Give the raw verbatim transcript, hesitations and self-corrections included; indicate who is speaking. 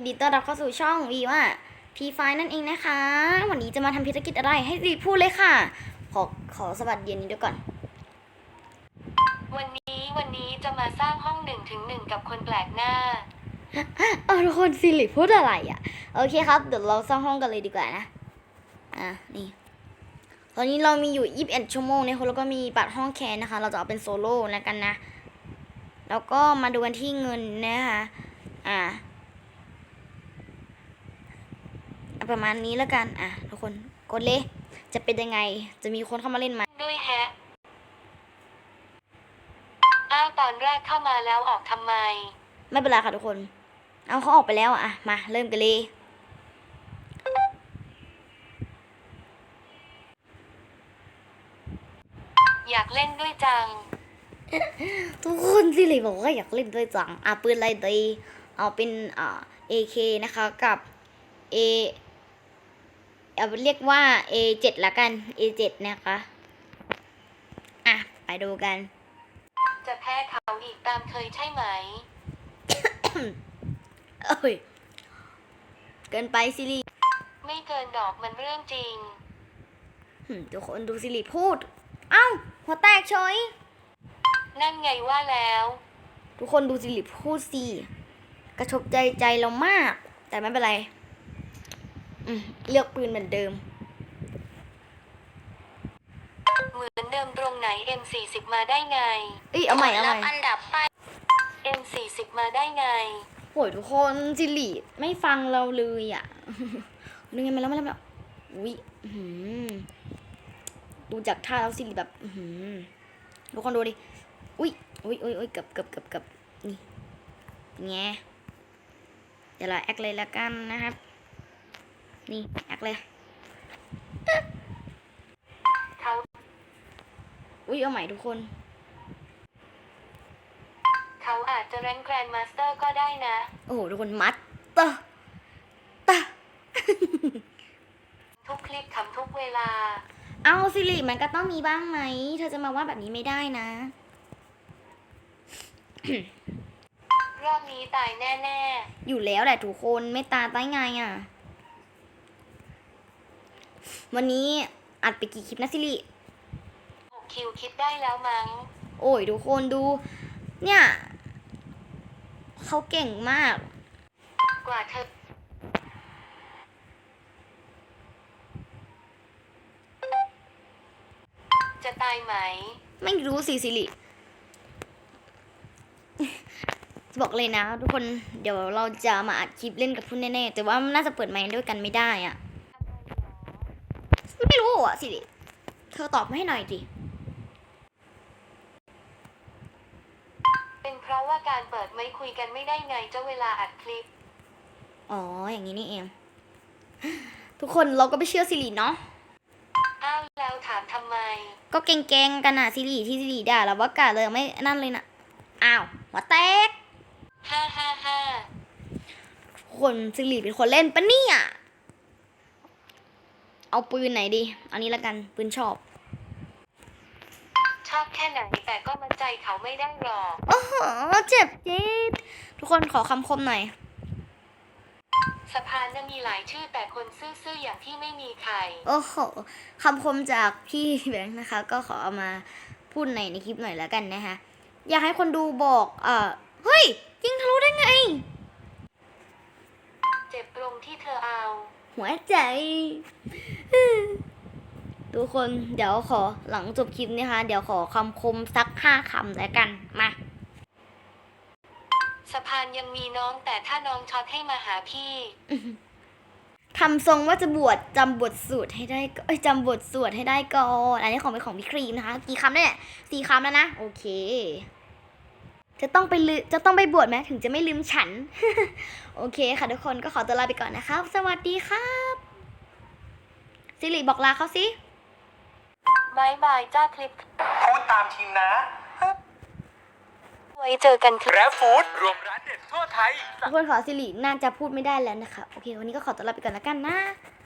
Speaker 1: นดีต้อนรับเข้าสู่ช่องวีว่าพีไฟนั่นเองนะคะวันนี้จะมาทำภารกิจอะไรให้รีพูดเลยค่ะขอขอสวัสดีนี้ด้วยก่อน
Speaker 2: วันนี้วันนี้จะมาสร้างห้องหนึ่งถึงหนึ่งกับคนแปลกหน้า
Speaker 1: เออทุกคนสิริพูดอะไรอ่ะโอเคครับเดี๋ยวเราสร้างห้องกันเลยดีกว่านะอ่ะนี่ตอนนี้เรามีอยู่ยี่สิบเอ็ดชั่วโมงเนี่ยแล้วก็มีบัตรห้องแคนนะคะเราจะเอาเป็นโซโล่แล้วกันนะแล้วก็มาดูกันที่เงินนะคะอ่ะประมาณนี้แล้วกันอ่ะทุกคนกดเลยจะเป็นยังไงจะมีคนเข้ามาเล่นไหม
Speaker 2: ด้วยแฮะอ้าวตอนแรกเข้ามาแล้วออกทำไม
Speaker 1: ไม่เป็นไรค่ะทุกคนเอาเขาออกไปแล้วอ่ะมาเริ่มกันเลย
Speaker 2: อยากเล่นด้วยจัง
Speaker 1: ทุกคนสิริบอกว่าอยากเล่นด้วยจังอ่ะปืนอะไรดีเอาเป็นอ่า เอ เค นะคะกับ A เอาเรียกว่า เอ เจ็ด ละกัน เอ เจ็ด นะคะอ่ะไปดูกัน
Speaker 2: จะแพ้เขาอีกตามเคยใช่ไหม
Speaker 1: เอ้ยเกินไปสิริ
Speaker 2: ไม่เกินดอกมันเรื่องจริง
Speaker 1: ทุกคนดูสิริพูดเอ้าหัวแตกเฉย
Speaker 2: นั่นไงว่าแล้ว
Speaker 1: ทุกคนดูสิริพูดสิกระทบใจใจเรามากแต่ไม่เป็นไรเลือกปืนเหมือนเดิม
Speaker 2: เหมือนเดิมตรงไหน เอ็ม สี่สิบ มาได้ไง
Speaker 1: เอ้ยเอาใหม่เอาใหม่
Speaker 2: อันดับไป เอ็ม สี่สิบ มาได้ไง
Speaker 1: โหยทุกคนสิริไม่ฟังเราเลยอ่ะนึกไงมาแล้วมาแล้วอุ้ยดูจากท่าแล้วสิริแบบทุกคนดูดิอุ้ยอุ้ยอุ้ยอุ้ยกับกับกับกับนี่ไงเดี๋ยวเราแอคเลยละกันนะครับนี่แอคเลย
Speaker 2: เขา
Speaker 1: อุ้ยเอาใหม่ทุกคน
Speaker 2: เขาอาจจะแรงแกรนด์มาสเตอร์ก็ได้นะ
Speaker 1: โอ้โหทุกคนมัดตะตะ
Speaker 2: ทุกคลิปทำทุกเวลา
Speaker 1: เอาสิริมันก็ต้องมีบ้างไหมเธอจะมาว่าแบบนี้ไม่ได้นะ
Speaker 2: รอบนี้ตายแน่
Speaker 1: ๆอยู่แล้วแหละทุกคนไม่ตาตายไงอ่ะวันนี้อัดไปกี่คลิปนะสิริ
Speaker 2: หกคิวคิดได้แล้วมั้ง
Speaker 1: โอ้ยทุกคนดูเนี่ยเขาเก่งมาก
Speaker 2: กว่าเธอจะตายไหม
Speaker 1: ไม่รู้สิสิริบอกเลยนะทุกคนเดี๋ยวเราจะมาอัดคลิปเล่นกับพุ่นแน่ๆแต่ว่าน่าจะเปิดไมค์ด้วยกันไม่ได้อ่ะไม่รู้อ่ะสิริเธอตอบมาให้หน่อยดิ
Speaker 2: เป็นเพราะว่าการเปิดไมค์คุยกันไม่ได้ไงเจ้าเวลาอัดคลิป
Speaker 1: อ๋ออย่างนี้นี่เองทุกคนเราก็ไม่เชื่อสิริเนาะ
Speaker 2: อ้าวแล้วถามทำไม
Speaker 1: ก็เก่งๆกันอ่ะสิริที่สิริด่าเราว่ากาเลยไม่นั่นเลยนะอ้าวหัวแตก
Speaker 2: ฮ่าฮ่าฮ่า
Speaker 1: คนสิริเป็นคนเล่นปะเนี่ยเอาปืนไหนดีอันนี้ละกันปืนชอบ
Speaker 2: ชอบแค่ไหนแต่ก็มั่นใจเขาไม่ได้หรอก
Speaker 1: โอ้โหเจ็บจี๊ดทุกคนขอคำคมหน่อย
Speaker 2: สะพานน่ะมีหลายชื่อแต่คนซื่อๆอย่างที่ไม่มีใคร
Speaker 1: โอ้โหคำคมจากพี่แบงค์นะคะก็ขอเอามาพูดในในคลิปหน่อยแล้วกันนะคะอยากให้คนดูบอกเอ่อเฮ้ยยิงทะลุได้ไง
Speaker 2: เจ็บตรงที่เธอเอา
Speaker 1: หัวใจทุกคนเดี๋ยวขอหลังจบคลิปนะคะเดี๋ยวขอคำคมสักห้าคำแล้วกันมา
Speaker 2: สะพานยังมีน้องแต่ถ้าน้องช็อตให้มาหาพี่
Speaker 1: ทำทรงว่าจะบวชจำบทสวดให้ได้ก็จำบทสวดให้ได้ก่อนอันนี้ของเป็นของพี่ครีมนะคะกี่คำเนี่ยสี่คำแล้วนะโอเคจะต้องไปลืจะต้องไปบวชไหมถึงจะไม่ลืมฉัน โอเคค่ะทุกคนก็ขอตัวลาไปก่อนนะครับสวัสดีครับสิริบอกลาเขาสิ
Speaker 2: บายบายจ้าคลิป
Speaker 3: พูดตามทีมนะ
Speaker 2: ไว้เจอกัน
Speaker 3: แกร็บฟู้ดรวมร้านเด็ดทั่วไทย
Speaker 1: ทุกคนขอสิริน่าจะพูดไม่ได้แล้วนะคะโอเควันนี้ก็ขอตัวลาไปก่อนแล้วกันนะ